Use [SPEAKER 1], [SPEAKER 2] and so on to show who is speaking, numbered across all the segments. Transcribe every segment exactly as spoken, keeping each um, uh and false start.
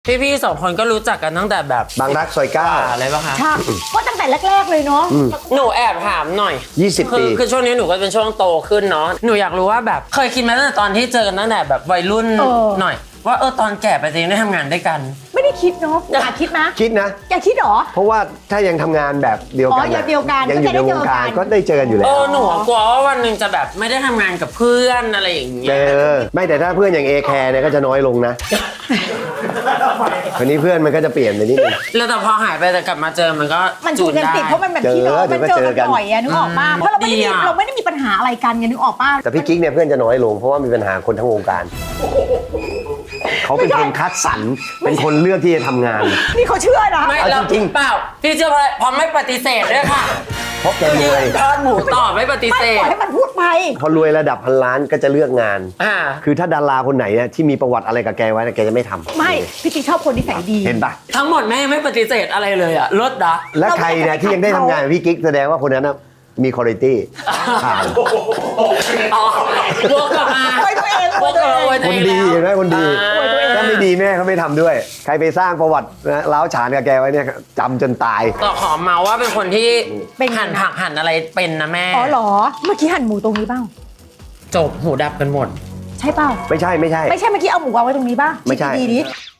[SPEAKER 1] พี่ๆสองคนก็รู้จักกันตั้งแต่แบบ
[SPEAKER 2] บางรักซอยเก้า
[SPEAKER 1] อะไรป่ะคะ
[SPEAKER 3] ใช่ก็ตั้งแต่แรกๆเลยเนาะ
[SPEAKER 1] หนูแอบถามหน่อย
[SPEAKER 2] ยี่สิบ
[SPEAKER 1] คื
[SPEAKER 2] ปี
[SPEAKER 1] คือช่วงนี้หนูก็เป็นช่วงโตขึ้นเนาะหนูอยากรู้ว่าแบบเคยคิดมาตั้งแต่ตอนที่เจอกันตั้งแต่แบบวัยรุ่นหน่อยว่าเออตอนแก่ไปจะยังได้ทำงานด้วยกัน
[SPEAKER 3] ไม่ได้คิดเนาะอยากคิดนะ
[SPEAKER 2] คิดนะ
[SPEAKER 3] อยากคิดเหรอ
[SPEAKER 2] เพราะว่าถ้ายังทำงานแบบเดียวกัน
[SPEAKER 3] อ๋อเดียวกัน
[SPEAKER 2] ยังอยู่ในวงการ
[SPEAKER 3] ก็
[SPEAKER 2] ก็
[SPEAKER 3] จะได้
[SPEAKER 2] ได้เจอกันอยู่แล้
[SPEAKER 1] เอ
[SPEAKER 2] ว
[SPEAKER 1] อหนูกลัวว่าวันหนึ่งจะแบบไม่ได้ทำงานกับเพื่อนอะไรอย่างเงี้
[SPEAKER 2] เอยอไม่แต่ถ้าเพื่อนอย่างเอแคร์เนี่ยก็จะน้อยลงนะคนนี้เพื่อนมันก็จะเปลี่ยนไปนิดนึง
[SPEAKER 1] แล้วแต่พอหายไปแต่กลับมาเจอมันก็
[SPEAKER 3] มันจูนกันติดเพราะมันแบบพี่น้องมันเจอกันบ่อยอะนึกออกป่ะเพราะเราไม่ได้มีเราไม่ได้มีปัญหาอะไรกันไงนึกออกป่ะ
[SPEAKER 2] แต่พี่กิ๊กเนี่ยเพื่อนจะน้อยลงเพราะว่ามีปัญหาคนทั้งวงการเขาเป็นคนคัดสรรเป็นคนเลือกที่จะทำงาน
[SPEAKER 3] นี่เขาเชื่อนะ
[SPEAKER 1] ไม่
[SPEAKER 2] เอา
[SPEAKER 1] เรา
[SPEAKER 2] จริงๆ
[SPEAKER 1] เปล่าพี่เชื่อเพราะอะไรเพราะไม่ปฏิเสธด้วยค่ะ
[SPEAKER 2] เพราะแกรวย
[SPEAKER 1] ทอดหมูต่อไม่ปฏิ
[SPEAKER 3] ไม่
[SPEAKER 1] เส
[SPEAKER 3] ปล่
[SPEAKER 1] ธ
[SPEAKER 3] อยให้มันพูดไป
[SPEAKER 2] พอรวยระดับพันล้านก็จะเลือกงาน
[SPEAKER 1] อ่า
[SPEAKER 2] คือถ้าดาราคนไหนเนี่ยที่มีประวัติอะไรกับแกไว้เนี่ยแกจะไม่ทำ
[SPEAKER 3] ไม่พี่ติ๊กชอบคนนิสัยดี
[SPEAKER 2] เห็นปะ
[SPEAKER 1] ทั้งหมดแม่ไม่ปฏิเสธอะไรเลยอะลดนะ
[SPEAKER 2] และใครเนี่ยที่ยังได้ทำงานกับพี่กิ๊กแสดงว่าคนนั้นนะมีคุณภาพผ่าน
[SPEAKER 1] อ๋อวกกลับมา
[SPEAKER 3] อวยตัวเอง
[SPEAKER 1] วกกลับมาอวย
[SPEAKER 2] ค
[SPEAKER 1] ตัวน เอง
[SPEAKER 2] ดี
[SPEAKER 1] แล้ว
[SPEAKER 2] เห็นไหมคนดี
[SPEAKER 1] อ่า
[SPEAKER 2] ถ้าไม่ดีแม่เขาไม่ทำด้วย ใครไปสร้างประวัตินะล้าวฉานกับแกไว้เนี่ยจำจนตาย
[SPEAKER 1] ต่อขอเมาว่าเป็นคนที่หั่นผักหั่นอะไรเป็นนะแม่
[SPEAKER 3] อ๋อเหรอเมื่อกี้หั่นหมูตรงนี้บ้าง
[SPEAKER 1] จบหูดับกันหมด
[SPEAKER 3] ใช่เปล่า
[SPEAKER 2] ไม่ใช่ไม่ใช่
[SPEAKER 3] ไม่ใช่เมื่อกี้เอาหมูวางไว้ตรงนี้ป่ะ
[SPEAKER 2] ไม่ใช่
[SPEAKER 3] ดีๆดิ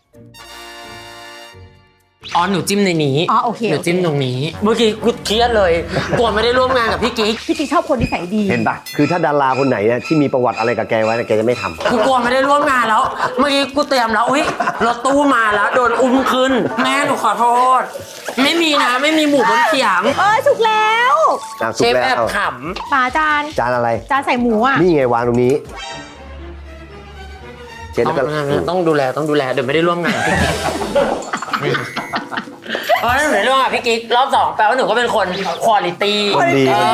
[SPEAKER 1] อ๋อหนูจิ้มในนี้
[SPEAKER 3] อ๋อโอเค
[SPEAKER 1] หนูจิ้มตรงนี้ เมื่อกี้กูเครียดเลยกลัวไม่ได้ร่วมงานกับพี่กิ๊ก
[SPEAKER 3] พี่ติ๊กชอบคนนิสัยดี
[SPEAKER 2] เห็นปะคือถ้าดาราคนไหนเนี่ยที่มีประวัติอะไรกับแกไว้เนี่ยแกจะไม่ทำ
[SPEAKER 1] กูกลัวไม่ได้ร่วมงานแล้ว เมื่อกี้กูเตรียมแล้วอุ้ยรถตู้มาแล้วโดนอุ้มขึ้น แม่หนูขอโทษ ไม่มีนะไม่มีหมูบนเขียง
[SPEAKER 3] เออสุกแล้ว
[SPEAKER 2] อ่ะ
[SPEAKER 1] เช
[SPEAKER 2] สุก
[SPEAKER 1] ฟ
[SPEAKER 2] แล้
[SPEAKER 1] แอบ
[SPEAKER 2] ว
[SPEAKER 1] ข
[SPEAKER 3] ป่าจาน
[SPEAKER 2] จานอะไร
[SPEAKER 3] จานใส่หมูอ่ะ
[SPEAKER 2] นี่ไงวางตรงนี้เช็ด
[SPEAKER 1] ำ
[SPEAKER 2] แล้วก็
[SPEAKER 1] ต้องต้องดูแลต้องดูแลเดี๋ยวไม่ได้ร่วมงานกับพี่กิ๊กเพราะฉะนั้นหนูได้ร่วมงานกับพี่กิ๊กรอบสองแปลว่าหนูก็เป็นคนคุณภาพ
[SPEAKER 2] คนดี